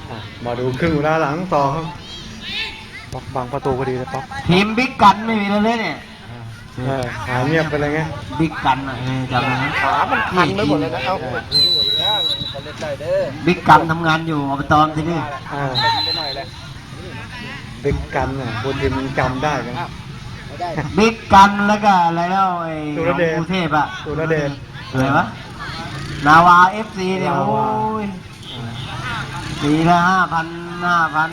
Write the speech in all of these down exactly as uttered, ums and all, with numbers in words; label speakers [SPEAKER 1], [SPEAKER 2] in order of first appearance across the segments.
[SPEAKER 1] มาดูครึ่งเวลาหลังต่อครับป๊อกบังประตูพอดีเลยป๊อก
[SPEAKER 2] ทีมบิ๊กกันไม่มีเลยเนี่ย
[SPEAKER 1] หายเงียบไปเลยไง
[SPEAKER 2] บิ๊กกันอ่ะจำได้ไหม
[SPEAKER 3] ขามันคันไปหมดเลยนะเอา
[SPEAKER 2] บิ๊กกันทำงานอยู่อบตที่นี่
[SPEAKER 1] บิ๊กกันอ่ะคนทีมมันจำได้กัน
[SPEAKER 2] บิ๊กกันแล้วก็อะไรแล้วไอ้กรุงเทพอ่ะ
[SPEAKER 1] สุรเดช
[SPEAKER 2] อะไรวะนาวาเอฟซีเนี่ยโอ้ยปีละห้าพันห้าพัน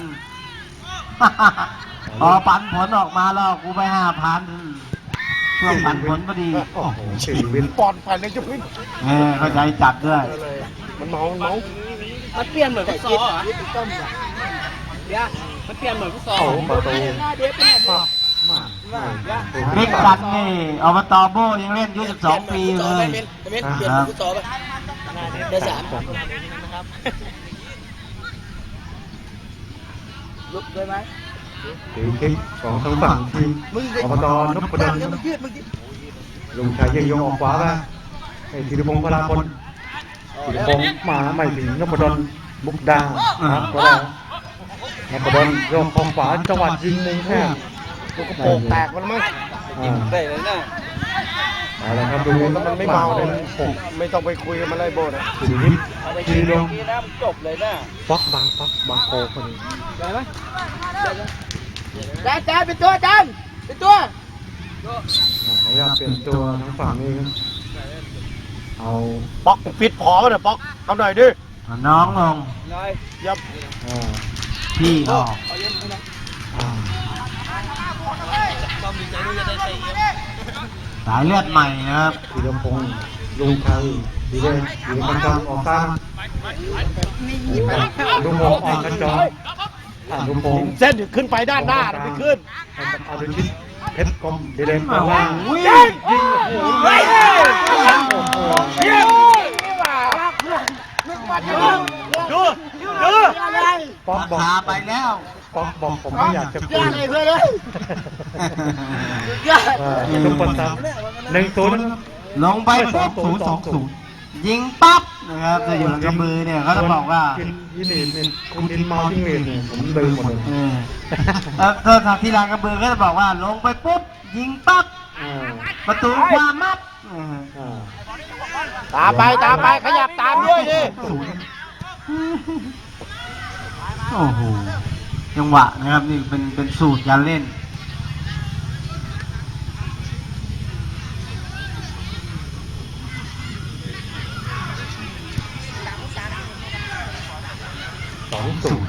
[SPEAKER 2] พอปันผลออกมาแล้วกูไปห้าพันช่วงปันผลพอดี
[SPEAKER 1] โอ้โหชีวิต
[SPEAKER 3] ปอนไปเลยจะพึ่ง
[SPEAKER 2] เออเข้าใจจัดด้วย
[SPEAKER 3] มันเมามันเมา
[SPEAKER 4] มันเปลี่ยนเหมือนฟุตซอลอ่ะเดี๋ยวมันเปลี่ยนเหมือนฟุตซอล
[SPEAKER 1] ประตู
[SPEAKER 2] บิ๊กกันนี่อบตโบยังเล่นอายุสิบสองปีเลย
[SPEAKER 4] เปลี่ยนเหมือนฟุตซอลป่ะเดือนสามลุกเลยไหม
[SPEAKER 1] ถือคลิปของทางฝั่งทีมอบตนพดลลุงชายยังยงออกขวาไปไอ้ธีรพงศ์พลาพลธีรพงศ์มาไม่ถึงนพดลบุกดาครับก็ได้นพดลโยกของขวาจังหวัดยิงมุมแค่
[SPEAKER 3] ลูกกระโปงแตกมันมั้ง
[SPEAKER 4] ยิงได้เลยนะ
[SPEAKER 1] เอาละครับดู
[SPEAKER 3] มันไม่เมาเลยผมไม่ต้องไปคุยกับมันเลยโบนะ
[SPEAKER 1] สุริยทีลง
[SPEAKER 4] จบเลยนะ
[SPEAKER 1] ป๊อกบังป๊อกบังโคคนนี้
[SPEAKER 4] ได้ไหมจานจานเป็นตัวจานเป็นตัว
[SPEAKER 1] ไม่อยากเปลี่ยนตัวทั้งฝั่งนี้เอา
[SPEAKER 3] ป๊อกฟิตพอป่ะเนี่ยป๊อกทำหน่อยดิ
[SPEAKER 2] น้องลง
[SPEAKER 3] ยับ
[SPEAKER 2] พี่ออกสายเลือดใหม่นะครับ
[SPEAKER 1] ธีรพงศ์ลุงชัยดีเด่นดีมันจองออกข้างลุงพงศ์ออกกันจองลุงพงศ์
[SPEAKER 3] เส้นขึ้นไปด้านหน้าไม่ขึ้น
[SPEAKER 1] เอาดูชิ้นเพชรกลมดีเด่นมาว่า
[SPEAKER 3] ยิงยิงเฮ้ยยิงดูดู
[SPEAKER 2] ป๊อกบอกไปแล้ว
[SPEAKER 1] ป๊อกบอกผมไม่อยากจะคุย
[SPEAKER 3] เลยเลย
[SPEAKER 1] ทุกคนทำหนึ่งศูนย์
[SPEAKER 2] ลงไปปุ๊บศูนย์สองศูนย์ยิงปั๊บนะครับจะอยู่หลังกระมือเนี่ยเขาจะบอกว่า
[SPEAKER 1] ยินดีเนี่ยคุณดินเมาทิ้งเรียนเนี่ยผมเดินหมดเลย
[SPEAKER 2] แล้วถ้าทางที่หลังกระมือก็จะบอกว่าลงไปปุ๊บยิงปั๊บประตูความมัด
[SPEAKER 3] ตามไปตามไปขยับตามด้วยดิ
[SPEAKER 2] โอ้โหจังหวะนะครับนี่เป็นเป็นสูตรการเล่น
[SPEAKER 1] สองสูตร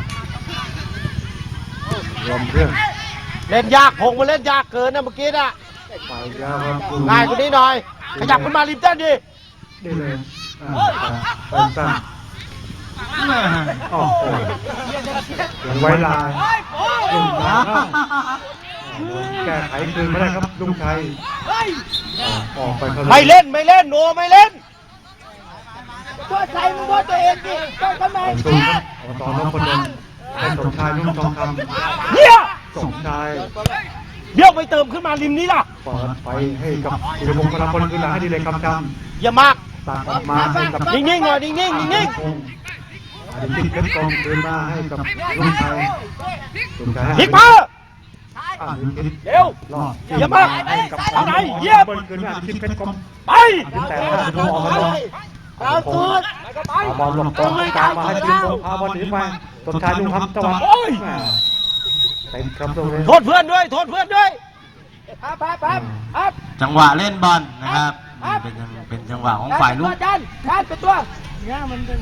[SPEAKER 1] รวมเครื่อง
[SPEAKER 3] เล่นยากพงมาเล่นยากเกินนะเมื่อกี้น่ะ
[SPEAKER 1] ไปแล้วครับ
[SPEAKER 3] ง่ายกว่านี้หน่อยขยับขึ้นมาริมเส้นดิ
[SPEAKER 1] นี่เลยเติมตั้งโอ้โหยังไว้ลายลุงชัยแก้ไขคืนไม่ได้ครับลุงชัยออกไป
[SPEAKER 3] ไม่เล่นไม่เล่นโนไม่เล่น
[SPEAKER 4] ตัวใครมึงตัวตัวเองดิตัวทำไม
[SPEAKER 1] ตอนน้องคนเดินให้สมชายนุ่งทองคำ
[SPEAKER 3] เนี่ย
[SPEAKER 1] สมชาย
[SPEAKER 3] เบี้ยวไปเติมขึ้นมาริมนี้ล่ะ
[SPEAKER 1] เปิดไปให้กับธีรพงศ์พลพลขึ้นหลังให้ดีเลยคำค
[SPEAKER 3] ำอย่ามาก
[SPEAKER 1] ตัดออกมาให้กับ
[SPEAKER 3] นิ่งๆหน่อยนิ่งๆนิ่งๆ
[SPEAKER 1] อดีตเพชรกองคืนมาให้กับลุงชัยลุงชัย
[SPEAKER 3] พลิกมา
[SPEAKER 1] เร็ว
[SPEAKER 3] อย่ามาเอาไหนเยี่ยม
[SPEAKER 1] คืนมาอดีตเพชรกอง
[SPEAKER 3] ไป
[SPEAKER 1] แต่ถ้าดูออกมา
[SPEAKER 4] เอาสุด
[SPEAKER 1] เอาบอลหลบกองกลางมาให้ธีรพงศ์พาบอลหนีไปสมชายลุงคำจังหวะเต็มครับตรงนี้
[SPEAKER 3] โทษเพื่อนด้วยโทษเพื่อนด้วย
[SPEAKER 2] จังหวะเล่นบอลนะครับเป็นเป็นจังหวะของฝ่ายลุก
[SPEAKER 4] ดันดันเป็นตัวเนี่ยมันเป็น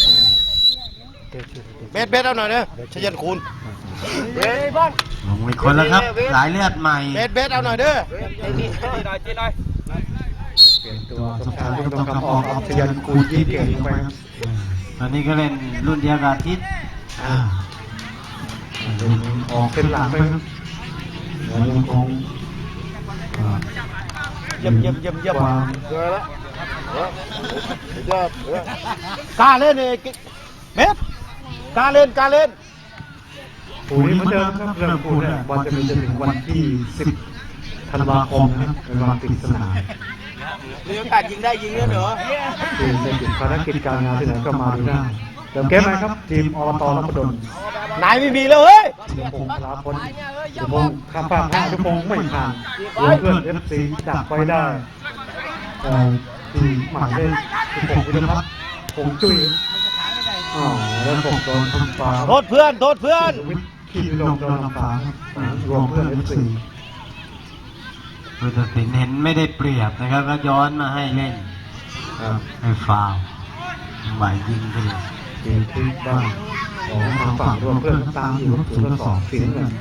[SPEAKER 3] เบสเบสเอาหน่อยเนี่ยชยันคูณ
[SPEAKER 4] เฮ้ยบอล
[SPEAKER 2] ลงอีกคนแล้วครับสายเลือดใหม่
[SPEAKER 3] เบสเบสเอาหน่อยเด้อ
[SPEAKER 4] จีหน่อยจีหน่อย
[SPEAKER 1] เปลี่ยนตัวสมชายลุงต้องคำออกชยันคูณยี่เก่งไป
[SPEAKER 2] ตอนนี้ก็เล่นรุ่นเดียวกับทิศ
[SPEAKER 1] ออกเป็นหลังไปครับแล้วยังคง
[SPEAKER 3] เยี่ยมเยี่ยมเยี่ยมเยี่ยมกล้าเล่นเองเมสกล้าเล่นกล้าเล่น
[SPEAKER 1] ปูนี้เหมือนเดิมครับเรื่องปูเนี่ยบอลจะมีจนถึงวันที่สิบธันวาคมนะครับเป็นวันปิดสนาม
[SPEAKER 4] มีโอกาสยิงได้ยิงแล้วเหรอ
[SPEAKER 1] คือจะหยุดภารกิจการงานที่ไหนก็มาดูได้เติมเกมไหมครับทีมอบตนพดล
[SPEAKER 3] นายไม่มีแล้วเฮ้ย
[SPEAKER 1] ธีรพงศ์พลาพลธีรพงศ์ข้ามฟากให้ธีรพงศ์ไม่ผ่านเพื่อนเอฟซีดักไว้ได้แต่ที่หมายเลขธีรพงศ์ธีรพัฒน์คงจุ้ยอ๋อแล้วผมโดนทำฟ้า
[SPEAKER 3] โทษเพื่อนโทษเพื่อน
[SPEAKER 1] วิทย์ขี่ลงโดนทำฟ้ารวมเพื่อนเอฟซี
[SPEAKER 2] ผู้ตัดสินเห็นไม่ได้เปรียบนะครับก็ย้อนมาให้เล่น
[SPEAKER 1] ครับ
[SPEAKER 2] ให้ฟาวล์หมายยิงไปเลย
[SPEAKER 1] ทีมที่บ้านของทางฝั่งรวมเพื่อนตามอยู่ศูนย์ต่อสองสีน้ำเงิน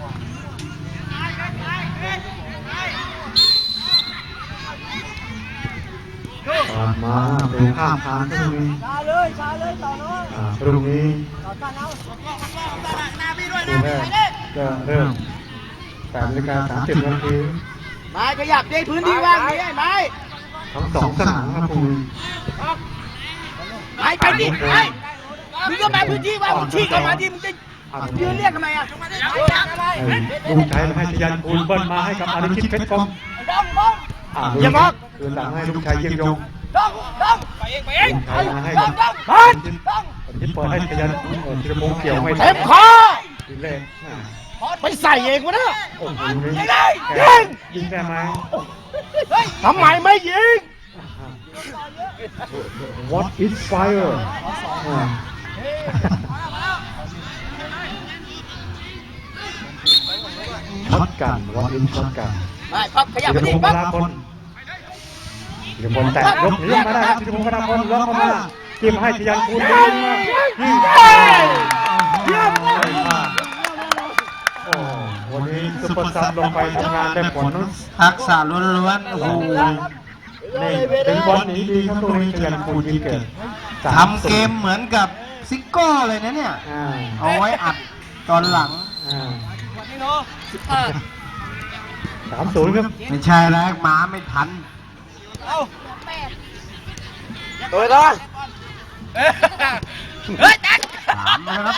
[SPEAKER 1] ตามมาดูข้ามทางตรงนี้
[SPEAKER 4] ช้าเลยช้าเลยต่อเนาะ
[SPEAKER 1] อ่าตรงนี้
[SPEAKER 4] ต่อกันเอา
[SPEAKER 1] คู่แรกจะเริ่มแปดนาฬิกาสามสิบนาที
[SPEAKER 4] ไม้ขยับได้พื้นที่ว่างนี่ไม้
[SPEAKER 1] ทั้งสองสนามครับคุณ
[SPEAKER 4] ไม้ไปดิไม้มึงก็มาพื้นที่ว่างมึงชี้เข้ามาดิมึงจะยืนเรียกทำไมอ่ะ
[SPEAKER 1] ลุงชัยมาให้ชยันคูณเบิ้ลมาให้กับอาริชิตเพชรกรม
[SPEAKER 4] ต้องต้อง
[SPEAKER 1] อย่ามอกคืนหลังให้ลุงชัยเยี่ยมยง
[SPEAKER 4] ต้องต้องไปเองไปเอง
[SPEAKER 1] ลุงชัยมาให้กับ
[SPEAKER 4] ต้อง
[SPEAKER 1] อาริชิตอาริชิตเปิดให้ชยันธีรพงศ์เกี่ยวไม่
[SPEAKER 3] เต็มคอ
[SPEAKER 1] ทีแรก
[SPEAKER 3] ไปใส่เองวะเนี่ย
[SPEAKER 1] โอ้โห
[SPEAKER 3] ยิง
[SPEAKER 1] ยิงได้ไหม
[SPEAKER 3] ทำไมไม่ยิง
[SPEAKER 1] What is fire ช็อตกัน What is ช็อตกัน
[SPEAKER 4] ไม่ครับขยับ
[SPEAKER 1] ธี
[SPEAKER 4] ไป
[SPEAKER 1] รพ
[SPEAKER 4] ดิ
[SPEAKER 1] งศ์พ
[SPEAKER 4] ปั๊บ
[SPEAKER 1] ลาพลธีรพงศ์แตะยกหนีมาได้ครับธีรพงศ์พลาพลล็อกเข้ามาจิ้มให้ชยันคูณยิงมายิงเยี่ยมโอ้วันนี้ซุปเปอร์ซับลงไปทำงานได้ผลนะ
[SPEAKER 2] ทักษะล้วนๆโอ้โห
[SPEAKER 1] นี่เป็นบอลหนีดีครับตรงนี้ชยันคูณยิงเกิด
[SPEAKER 2] ทำเกมเหมือนกับซิโก้เลยนะเนี่ย
[SPEAKER 1] อ่า
[SPEAKER 2] เอาไว้อัดตอนหลัง
[SPEAKER 1] อ่าสามศูนย์ครับ
[SPEAKER 2] ไม่ใช่แล้วหมาไม่ทัน
[SPEAKER 3] ตัวต่อ
[SPEAKER 4] เฮ้ยแจ็ค
[SPEAKER 2] สามนะครับ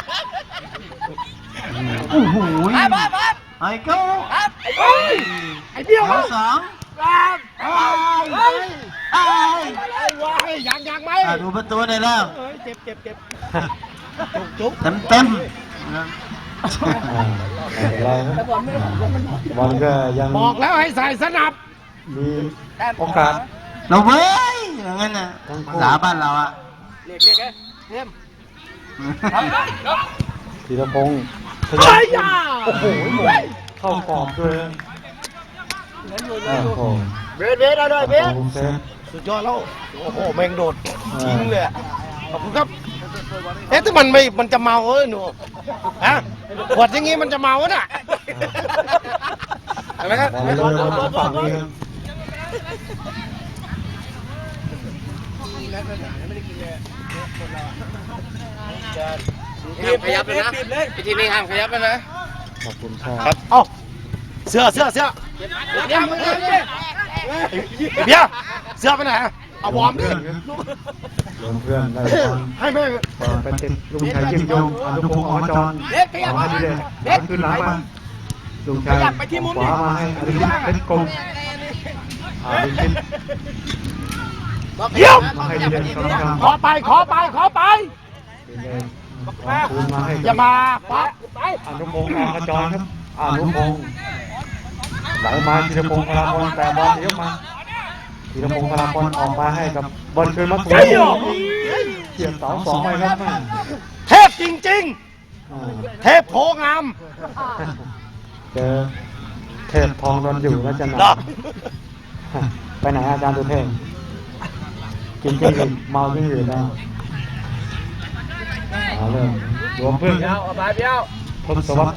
[SPEAKER 2] โอ้โห
[SPEAKER 4] ไปไปไป
[SPEAKER 2] ไอ้เก้า
[SPEAKER 4] ครับ
[SPEAKER 3] ไอ้เบี้ยว
[SPEAKER 2] เอาสอง
[SPEAKER 4] ครับไอ้ไอ้
[SPEAKER 2] ไอ้
[SPEAKER 3] ไอ้วะยังยังไหม
[SPEAKER 2] อ่ะดูประตูได้แล้ว
[SPEAKER 3] เฮ้ยเจ็บเจ็บเจ็บจุกจุก
[SPEAKER 2] เต็มเต็มๆนะ
[SPEAKER 1] อ่าไม่เป็นไรครับบอลก็ยัง
[SPEAKER 3] บอกแล้วให้ใส่สนับ
[SPEAKER 1] มีโอกาส
[SPEAKER 2] เราเว้ยอย่างนั้นนะภาษาบ้านเราอะ
[SPEAKER 4] เรียกเรียกเรียก
[SPEAKER 1] ธีรพงศ์
[SPEAKER 3] เฮ้ยยา
[SPEAKER 1] โอ้โหเข้ากรอบเลยโอ้โห
[SPEAKER 3] เบสเบสเอาเลยเบส
[SPEAKER 1] โอ้โหเซฟ
[SPEAKER 3] สุดยอดแล้วโอ้โหแม่งโดดทิ้งเลยอะขอบคุณครับเอ๊ะถ้ามันไม่มันจะเมาเอ้ยหนูฮะขวดอย่างงี้มันจะเมาน่ะเห็นไหมครับ
[SPEAKER 1] บอลเลยมาฝั่งนี้ครับ
[SPEAKER 4] ห้ามขยับเลยนะไอ้ทีนี้ห้ามขยับเลยนะ
[SPEAKER 1] ขอบคุณครั
[SPEAKER 3] ครับ บเอ้าเสื้อเสื้อเสื้อ
[SPEAKER 4] เดี๋ยวมึงเดี๋ยว
[SPEAKER 3] เบียร์เสื้อไปไหนอะเอาวอร์มดิ
[SPEAKER 1] เพื่อนครับรวมเพื่อนได้บอล
[SPEAKER 3] ให้แม่
[SPEAKER 1] บอลไปติดลุงชัยยิ่งยงอนุพงศ์อจร
[SPEAKER 4] เด็กขยับ
[SPEAKER 1] ขอ
[SPEAKER 4] มา
[SPEAKER 1] ให้ดีเลย
[SPEAKER 4] เด็ก
[SPEAKER 1] ขึ้นหลังมาลุงชัยขวามาให้อริชิตเพชรกรมอาริชิต
[SPEAKER 3] เยี่ยม
[SPEAKER 1] มาให้ดีเลยกำลังทำ
[SPEAKER 3] ขอไปขอไปขอไป
[SPEAKER 1] ดีเลยคืนมาให้
[SPEAKER 3] อย่ามาปั๊บไป
[SPEAKER 1] อนุพงศ์อขจรครับอนุพงศ์ไหลมาธีรพงศ์พลาพลแต่บอลเลี้ยวมาธีรพงศ์พลาพลออกมาให้กับบอลคืนมาถูกเกี่ยวเสาสองไปครับแม่
[SPEAKER 3] เทพจริง
[SPEAKER 1] อ่า
[SPEAKER 3] ๆ เทพโพงาม
[SPEAKER 1] เจอเทพทองโดนอยู่แล้วจะหนั
[SPEAKER 3] เหรอก
[SPEAKER 1] ไปไหนอาจารย์ตุเทพกินจริงหรือเมาจริงหรือได้เอาเลยรวมเพื่อนครับ
[SPEAKER 4] เอาไปเบี้ยว
[SPEAKER 1] ทศวรรษ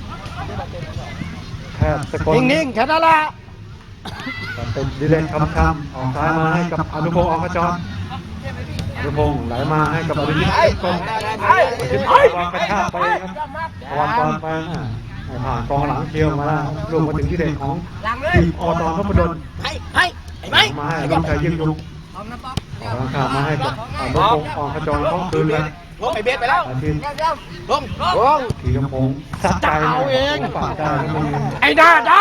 [SPEAKER 1] แพทย์สกล
[SPEAKER 3] นิ่งๆแค่นั้นแหละ
[SPEAKER 1] เป็นดิเลนคำคำออกซ้ายมาให้กับอนุพงศ์ออกขจรอนุพงศ์ไหลมาให้กับอริยิตเพชรกรมอริยิตวางกระชากไปครับวางบอลไปอ่าให้ผ่านกองหลังเคียวมาแล้วลงมาถึงที่เด่นของทีมอตอนพดล
[SPEAKER 4] ให้ให้ไอ้ไม้
[SPEAKER 1] มาให้ลุงชัยยิ่งยุงออกกำลังกายมาให้กับอนุพงศ์ออกขจรเขาคืนเลย
[SPEAKER 4] ลงไอ้เบสไปแล้ว
[SPEAKER 1] อาทิตย์
[SPEAKER 4] ลงลง
[SPEAKER 1] ธีรพงศ์สัดใจปากได้ก็มี
[SPEAKER 3] ไอ้หน้าด้าน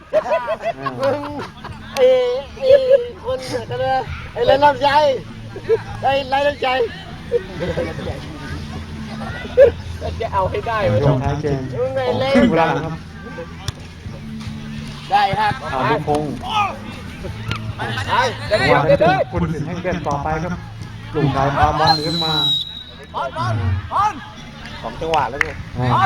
[SPEAKER 4] ไอ้ไอ้คนกันเลยไอ้ไรลำใจไอ้ไรลำใจจะเอาให้ได้
[SPEAKER 1] ช่วงท้ายเกมของครึ่งเวลาหลังครับ
[SPEAKER 4] ได้ครับ
[SPEAKER 1] อาลุงพงศ์
[SPEAKER 4] ได้
[SPEAKER 1] จังหวะนี้คุณสินให้เล่นต่อไปครับลุงชายพาบอลขึ้นมา
[SPEAKER 4] บอลบอลบอล
[SPEAKER 3] สองจังหวะแล้วไง
[SPEAKER 1] อ่า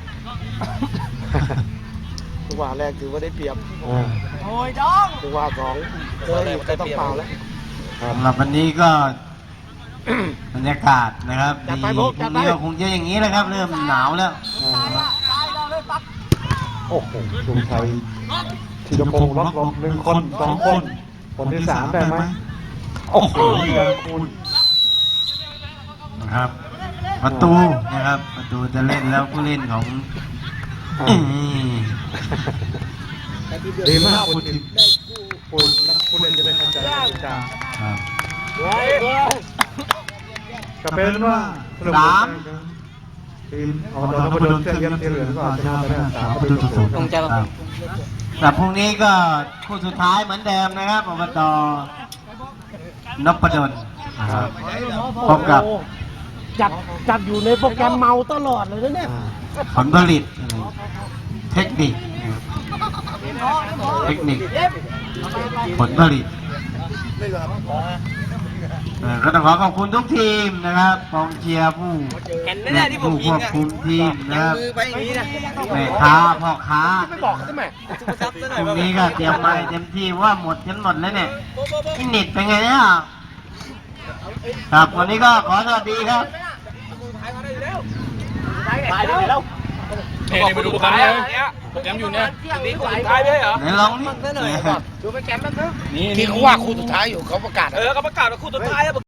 [SPEAKER 3] จังหวะแรกถือว่าได้เปรียบ
[SPEAKER 1] อ่า
[SPEAKER 4] โอ้ยน้อง
[SPEAKER 3] จังหวะสองเจออีกก็ต้องเปล่าแล้ว
[SPEAKER 1] ครับ
[SPEAKER 2] สำหรับวันนี้ก็ บรรยากาศนะครับ
[SPEAKER 3] จัด
[SPEAKER 2] ดี
[SPEAKER 3] ไป
[SPEAKER 2] พ
[SPEAKER 3] พ
[SPEAKER 2] รุ่
[SPEAKER 3] ว
[SPEAKER 2] ง
[SPEAKER 3] กจัดไป
[SPEAKER 2] นี้ก็คงจะอย่างนี้แหละครับ เริ่มหนาวแล้ว
[SPEAKER 1] อ่า
[SPEAKER 4] ตายเราเลยปั๊บ
[SPEAKER 1] โอ้โหลุงชัยธีรพงศ์ล็อกลงหนึ่งคนสองคน คนที่สามได้ไหมโอ้โหยังคุณ
[SPEAKER 2] นะครับ ประตูนะครับ ประตูจะเล่นแล้วผู้เล่นของ
[SPEAKER 1] อ่า
[SPEAKER 2] อืม
[SPEAKER 1] ดีมากคุณทิพย์คุณนักผู้เล่นจะได้เข้าใจกันจ้า
[SPEAKER 2] ครับ
[SPEAKER 1] ก็เป็นว่าสรุปทีมอบตนพดลเสื้อเยี่ยมสีเหลืองก็ชนะไปได้สามประตูต่อศูนย์
[SPEAKER 2] ครับแต่พรุ่งนี้ก็คู่สุดท้ายเหมือนเดิมนะครับอบตนพดลนะครับพบกับ
[SPEAKER 3] จัดจัดอยู่ในโปรแกรมเมาตลอดเลยนะเนี่ย
[SPEAKER 2] ผลผลิตเทคนิคเทคนิคผลผลิตเอ่อก็ต้องขอขอบคุณทุกทีมนะครับกองเชียร์ผู้
[SPEAKER 4] เห็นแน่ๆที่ผม
[SPEAKER 2] ผู้
[SPEAKER 4] ยิ
[SPEAKER 2] ค
[SPEAKER 4] ง
[SPEAKER 2] วบ
[SPEAKER 4] อ่ะ
[SPEAKER 2] คุมทีมนะครับ
[SPEAKER 4] มือไปอย่างนี้นะ
[SPEAKER 2] แม่ค้าพ่อค้า
[SPEAKER 3] ไม่บอกเขาใช่ไหม
[SPEAKER 2] พรุ่งนี้ก็เตรียมไปเต็มที่ว่าหมดจนหมดแล้วเนี่ยอินนิดเป็นไงเนี่ยครับวันนี้ก็ขอสวัสดีครับ
[SPEAKER 4] ตายเลยแล้ว
[SPEAKER 5] เฮ้ยไปดูโปรแกรมเลยโปรแกรมอยู่เนี่ย
[SPEAKER 4] นี่กูตายไปเหรอ
[SPEAKER 2] ไหนลองนี่
[SPEAKER 4] ดูไปแกมมันเถอะ
[SPEAKER 5] นี่
[SPEAKER 3] ที่เขาว่าคู่สุดท้ายอยู่เขาประกาศ
[SPEAKER 5] เออเขาประกาศว่าคู่สุดท้ายแล้ว